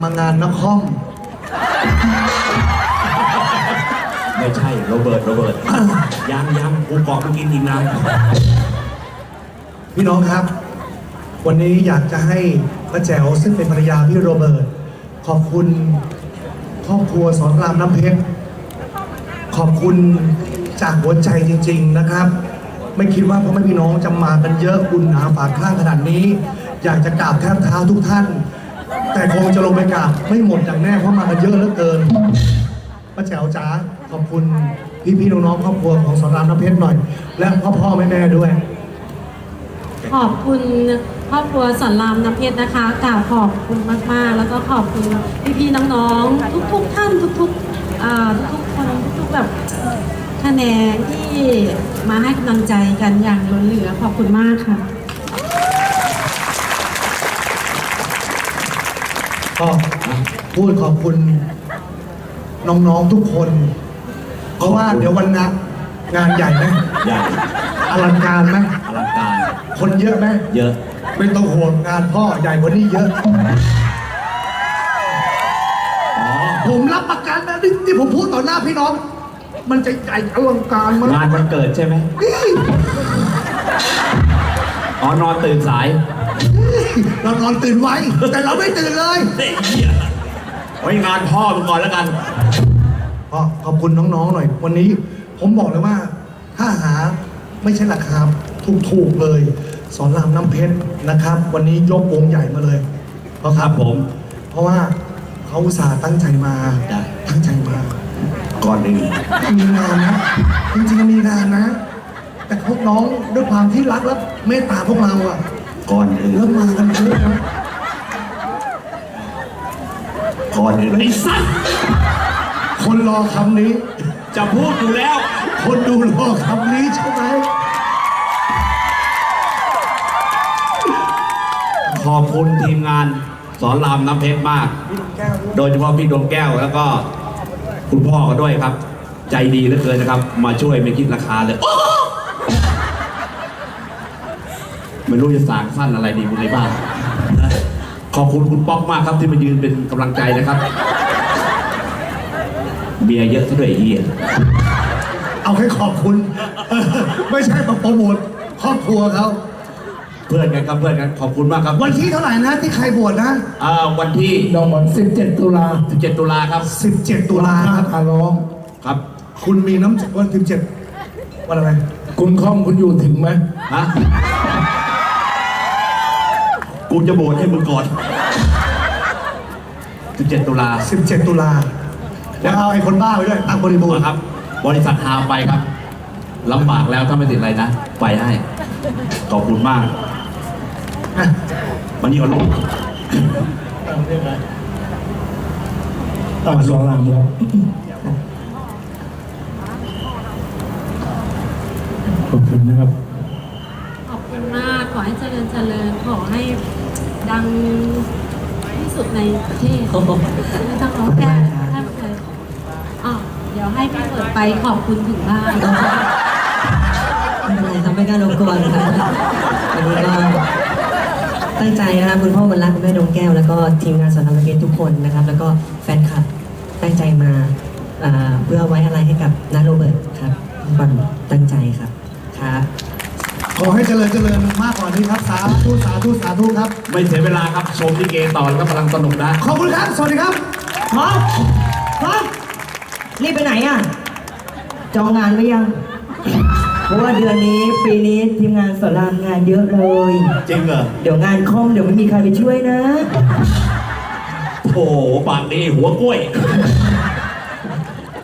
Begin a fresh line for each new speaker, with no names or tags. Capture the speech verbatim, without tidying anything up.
มางานนคร
ไม่ใช่โรเบิร์ตโรเบิร์ตยังยังกูเกาะเมื่อกี้ทีมงาน
พี่น้องครับ วันนี้อยากจะให้ป้าแจ๋วซึ่งเป็นภรรยาพี่โรเบิร์ตขอบคุณครอบครัวสอนรามน้ำเพชรขอบคุณจากหัวใจจริงๆนะครับไม่คิดว่าพ่อแม่พี่น้องจะมากันเยอะอุ่นหนาฝาข้างขนาดนี้อยากจะกราบแทบเท้าทุกท่านแต่คงจะลงไปกราบไม่หมดอย่างแน่เพราะมากันเยอะเหลือเกินป้าแจ๋วจ๋าขอบคุณพี่ๆน้องๆครอบครัวของสอนรามน้ำเพชรหน่อยและพ่อพ่อแม่แม่ด้วย
ขอบคุณครอบครัวสอนรามน้ำเพชรนะคะกล่าวขอบคุณมากๆแล้วก็ขอบคุณพี่ๆน้องๆทุกๆท่านทุกๆอ่าทุกๆคนทุกๆแบบคะแนนที่มาให้กำลังใจกันอย่างล้นเหลือขอบคุณมากค่ะ
ก็พูดขอบคุณน้องๆทุกคนเพราะว่าเดี๋ยววันงานงานใหญ่ไหม
ใหญ่
อลังการไหม
อลังการ
คนเยอะไหม
เยอะ
ไม่ต้องห่วงงานพ่อใหญ่กว่านี้เยอะผมรับประกันนะนี่ที่ผมพูดต่อหน้าพี่น้องมันจะใหญ่อลังการมาก
งานวันเกิดใช่ไหมอ๋อนอนตื่นสาย
เรานอนตื่นไว้แต่เราไม่ตื่นเลย
ไว้งานพ่อมึงก่อนแล้วกัน
พ่อขอบคุณน้องๆหน่อยวันนี้ผมบอกเลยว่าถ้าหาไม่ใช่ราคาถูกๆเลยสอนรามน้ำเพชรนะครับวันนี้ยกวงใหญ่มาเลยเพราะ
ครับผม
เพราะว่าเขาอุตส่าห์ตั้งใจมาตั้งใจมา
ก่อนหนึ่ง
มีงานนะจริงๆมีงานนะแต่พวกน้องด้วยความที่รักและเมตตาพวกเราอ่ะ
ก่อนหนึ่ง
เริ่มมากันเยอะนะ
ก่อนหนึ่งไอ้สัส
คนรอคำนี้
จะพูดอยู่แล้ว
คนดูรอคำนี้ใช่ไหม
ขอบคุณทีมงานสอนรามน้ำเพชรมากโดยเฉพาะพี่ดวงแก้วแล้วก็คุณพ่อก็ด้วยครับใจดีเหลือเกินนะครับมาช่วยไม่คิดราคาเลยไม่รู้จะสางสั้นอะไรดีในบ้านขอบคุณคุณป๊อกมากครับที่มายืนเป็นกำลังใจนะครับเบียร์เยอะซะด้วยเฮีย
เอาให้ขอบคุณไม่ใช่มาโปรโมทครอบครัวเขา
เพื่อนกันครับเพื่อนกันขอบคุณมากครับ
วันที่เท่าไหร่นะที่ใครบวชนะ
อ่าวันที่
ดอกวันสิบเจ็ดตุลา
สิบเจ็ดตุลาครับ
สิบเจ็ดตุลาครับอาร้อง
ครับ
คุณมีน้ำวันสิบเจ็ดวันอะไร
คุณคอมคุณอยู่ถึงไหม
ฮะกูจะบวชให้มึงก่อนสิบเจ็ดตุลา
สิบเจ็ดตุลาแล้วเอาไอ้คนบ้าไปด้วยตั้งบริบูรณ์
ครับบริษัทฮาวไปครับลำบากแล้วถ้าไม่ติดอะไรนะไปให้ขอบคุณมากวันนี้ก็ลง
ต่อสองรามแล้วขอบคุณนะครับ
ขอบคุณมากขอให้เจริญเจริญขอให้ดังที่สุดในประเทศไม่ต้องร้องแค่แค่เลยอ๋อเดี๋ยวให้พี่เปิดไปขอบคุณถึงบ้าน
ไม่เป็นไรครับไม่กล้ารบกวนครับวันนี้ก็ตั้งใจนะครับคุณพ่อวันรักคุณแม่ดวงแก้วแล้วก็ทีมงานสอนรามน้ำเพชรทุกคนนะครับแล้วก็แฟนคลับตั้งใจมาเพื่อไว้อะไรให้กับน้าโรเบิร์ตครับความตั้งใจครับครับ
ขอให้เจริญเจริญมากกว่านี้ครับสาธุสาธุสาธุครับ
ไม่เสียเวลาครับชมลิเกต่อแล้วก็กำลังสนุกนะ
ขอบคุณครับสวัสดีครับ
พร้อมพร้อมรีบไปไหนอ่ะจองงานไว้ยังเพราะว่าเดือนนี้ปีนี้ทีมงานสอนรามงานเยอะเลย
จริงเหรอ
เดี๋ยวงานคอมเดี๋ยวไม่มีใครไปช่วยนะ
โอ้ปากดีหัวกล้วย